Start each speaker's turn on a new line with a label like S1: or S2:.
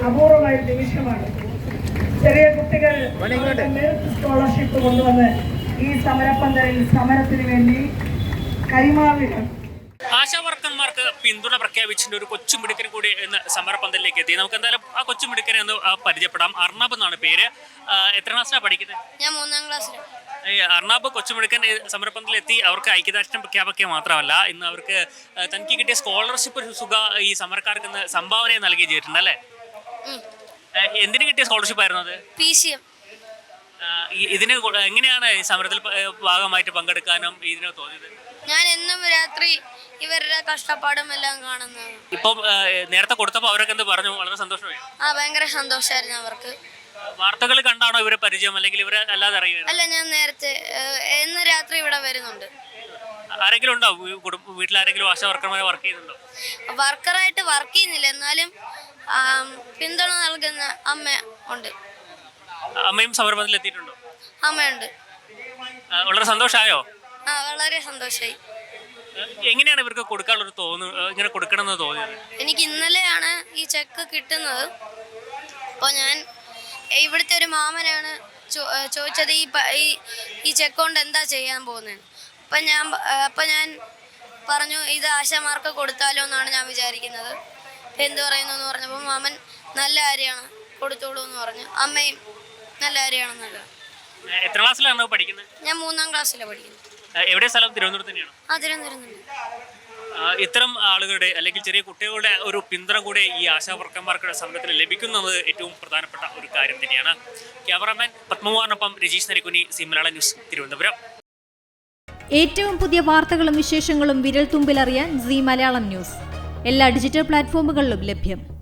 S1: അപൂർവമായ നിമിഷമാണ്. ചെറിയ കുട്ടികൾ മെറിറ്റ് സ്കോളർഷിപ്പ് കൊണ്ടുവന്ന് ഈ സമരപ്പന്തലിൽ സമരത്തിന് വേണ്ടി കൈമാറുകയാണ്.
S2: ആശാവർക്കന്മാർക്ക് പിന്തുണ പ്രഖ്യാപിച്ചിട്ട് ഒരു കൊച്ചുമിടുക്കൻ കൂടി ഇന്ന് സമരപ്പന്തലിലേക്ക് എത്തി. നമുക്ക് എന്തായാലും ആ കൊച്ചുമിടുക്കനെ ഒന്ന് പരിചയപ്പെടാം. അർണബ് എന്നാണ് പേര്. എത്ര ക്ലാസ്സിലാണ് പഠിക്കുന്നത്?
S3: ഞാൻ 3ാം ക്ലാസ്സിൽ.
S2: അർണബ് കൊച്ചുമിടുക്കൻ സമരപ്പന്തലിൽ എത്തി. അവർക്ക് ഐക്യദാർഢ്യം പ്രഖ്യാപിക്കുക മാത്രമല്ല, ഇന്ന് അവർക്ക് തനിക്ക് കിട്ടിയ സ്കോളർഷിപ്പ് തുക ഈ സമരക്കാർക്ക് ഇന്ന് സംഭാവന നൽകുകയും ചെയ്തിട്ടുണ്ട് അല്ലേ? എന്തിനു കിട്ടിയ സ്കോളർഷിപ്പ് ആയിരുന്നു അത്?
S3: PCM.
S2: ഇതിന് എങ്ങനെയാണ് ഈ സമരത്തിൽ ഭാഗമായിട്ട് പങ്കെടുക്കാനും ഇതിന് തോന്നിയത്?
S3: ഞാൻ എന്നും രാത്രി ഇവരുടെ കഷ്ടപ്പാടും എല്ലാം കാണുന്നത്.
S2: ഇപ്പം നേരത്തെ കൊടുത്തപ്പോൾ അവരൊക്കെ എന്ത് പറഞ്ഞു? വളരെ സന്തോഷമായി.
S3: ഭയങ്കര സന്തോഷമായിരുന്നു അവർക്ക്.
S2: വാർത്തകൾ കണ്ടാണോ ഇവരെ പരിചയം, അല്ലെങ്കിൽ ഇവരെ അല്ലാതെ അറിയുന്നത്?
S3: അല്ല, ഞാൻ നേരത്തെ ഇന്ന് രാത്രി ഇവിടെ വരുന്നുണ്ട്.
S2: ആരെങ്കിലും ഉണ്ടോ വീട്ടിലാരെങ്കിലും ആശാ വർക്കർമാരെ വർക്ക് ചെയ്യുന്നുണ്ടോ?
S3: വർക്കറായിട്ട് വർക്ക് ചെയ്യുന്നില്ല, എന്നാലും പിന്തുണ നൽകുന്ന അമ്മ ഉണ്ട്.
S2: അമ്മയും സമരപ്പന്തലിൽ എത്തിയിട്ടുണ്ടോ?
S3: അമ്മയുണ്ട്.
S2: വളരെ സന്തോഷമായോ?
S3: വളരെ സന്തോഷമായി.
S2: എങ്ങനെയാണ് ഇവർക്ക് കൊടുക്കാനുള്ളൊരു ഇങ്ങനെ കൊടുക്കണമെന്ന് തോന്നിയത്?
S3: എനിക്ക് ഇന്നലെയാണ് ഈ ചെക്ക് കിട്ടുന്നത്. അപ്പോൾ ഞാൻ ഇവിടുത്തെ ഒരു മാമനാണ് ചോദിച്ചത് ഈ ചെക്ക് കൊണ്ട് എന്താ ചെയ്യാൻ പോകുന്നത്. അപ്പം ഞാൻ പറഞ്ഞു, ഇത് ആശാമാർക്ക് കൊടുത്താലോ എന്നാണ് ഞാൻ വിചാരിക്കുന്നത്. എന്ത് പറയുന്നു എന്ന് പറഞ്ഞപ്പോൾ മാമൻ നല്ല കാര്യമാണ്, കൊടുത്തോളൂ എന്ന് പറഞ്ഞു. അമ്മയും നല്ല കാര്യമാണെന്നല്ല.
S2: എത്ര ക്ലാസ്സിലാണ് പഠിക്കുന്നത്?
S3: ഞാൻ 3ാം ക്ലാസ്സിലാണ് പഠിക്കുന്നത്.
S2: എവിടെ സ്ഥലം? തിരുവനന്തപുരത്ത് തന്നെയാണ്?
S3: തിരുവനന്തപുരം.
S2: ഇത്തരം ആളുകളുടെ അല്ലെങ്കിൽ ചെറിയ കുട്ടികളുടെ ഒരു പിന്തുണ കൂടെ ഈ ആശാ വർക്കർമാർക്കുടെ സമരത്തിന് ലഭിക്കുന്നത് ഏറ്റവും പ്രധാനപ്പെട്ട ഒരു കാര്യം തന്നെയാണ്. ക്യാമറാമാൻ പത്മകുമാറിനൊപ്പം രജീഷ് നരിക്കുനി, സി മലയാളം ന്യൂസ്, തിരുവനന്തപുരം.
S4: ഏറ്റവും പുതിയ വാർത്തകളും വിശേഷങ്ങളും വിരൽ തുമ്പിലറിയാൻ സി മലയാളം ന്യൂസ് എല്ലാ ഡിജിറ്റൽ പ്ലാറ്റ്ഫോമുകളിലും ലഭ്യം.